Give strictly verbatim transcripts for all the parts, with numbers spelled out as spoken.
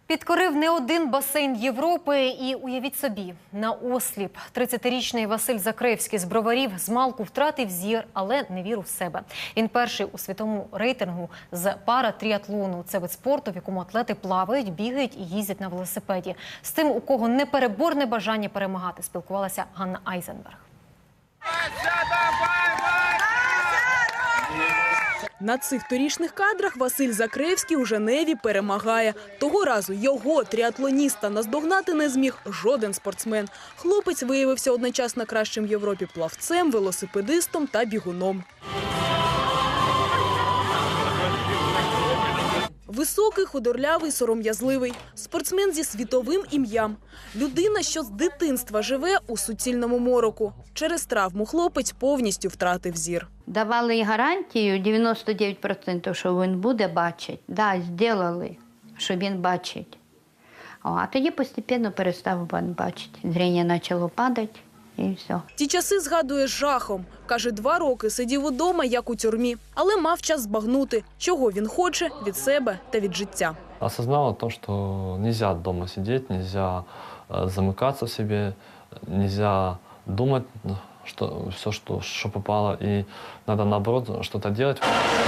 Підкорив не один басейн Європи і, уявіть собі, на осліп. тридцятирічний Василь Закревський з Броварів змалку втратив зір, але не віру в себе. Він перший у світовому рейтингу з паратріатлону. Це вид спорту, в якому атлети плавають, бігають і їздять на велосипеді. З тим, у кого непереборне бажання перемагати, спілкувалася Ганна Айзенберг. На цих торішніх кадрах Василь Закревський у Женеві перемагає. Того разу його, тріатлоніста, наздогнати не зміг жоден спортсмен. Хлопець виявився одночасно кращим в Європі плавцем, велосипедистом та бігуном. Високий, худорлявий, сором'язливий. Спортсмен зі світовим ім'ям. Людина, що з дитинства живе у суцільному мороку. Через травму хлопець повністю втратив зір. Давали гарантію дев'яносто дев'ять відсотків, що він буде бачити. Так, да, зробили, що він бачить. О, а тоді постійно перестав він бачити. Зріння почало падати і все. Ті часи згадує з жахом. Каже, два роки сидів удома, як у тюрмі. Але мав час збагнути, чого він хоче від себе та від життя. Осознал то, что нельзя дома сидеть, нельзя замыкаться в себе, нельзя думать, что все, что, что попало, и надо, наоборот, что-то делать.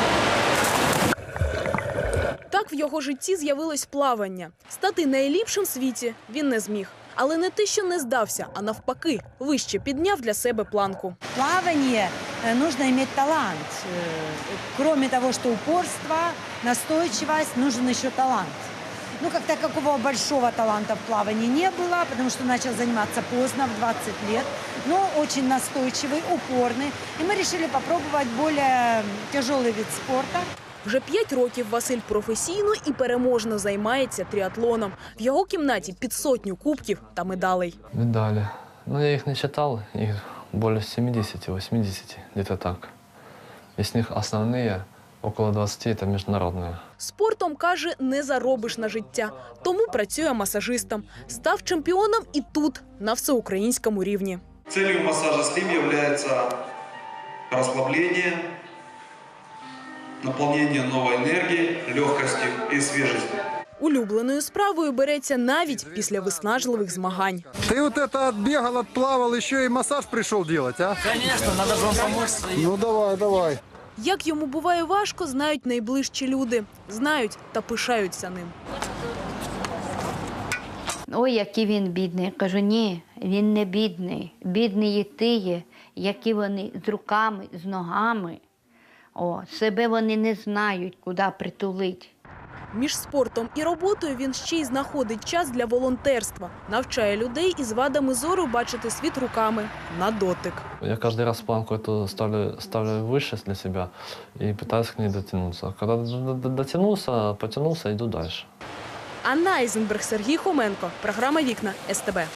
Так в його житті з'явилось плавання. Стати найліпшим в світі він не зміг. Але не те, що не здався, а навпаки, вище підняв для себе планку. Плавание нужно иметь талант. Кроме того, что упорство, настойчивость, нужен еще талант. Ну, как такого большого таланта в плавании не было, потому что начал заниматься поздно, в двадцать лет, но очень настойчивый, упорный. И мы решили попробовать более тяжелый вид спорта. Вже п'ять років Василь професійно і переможно займається тріатлоном. В його кімнаті під сотню кубків та медалей. Медали. Ну, я их не считал, их более семидесяти-восьмидесяти, где-то так. Из них основные, около двадцати, это международные. Спортом, каже, не заробиш на життя. Тому працює масажистом. Став чемпіоном і тут, на всеукраїнському рівні. Целью массажа Slim является расслабление, наполнение новой энергии, легкости и свежести. Улюбленою справою береться навіть після виснажливих змагань. Ты вот это отбегал, отплавал, еще и массаж пришел делать, а? Конечно, надо же вам помочь. Ну давай, давай. Як йому буває важко, знають найближчі люди. Знають та пишаються ним. Ой, який він бідний. Я кажу, ні, він не бідний. Бідні є ті, які вони з руками, з ногами. О, себе вони не знають, куди притулити. Між спортом і роботою він ще й знаходить час для волонтерства. Навчає людей із вадами зору бачити світ руками на дотик. Я каждый раз планку эту ставлю, ставлю выше для себя и пытаюсь к ней дотянуться. Когда дотянулся, потянулся, иду дальше. Анна Айзенберг, Сергій Хоменко. Програма «Вікна» ес те бе.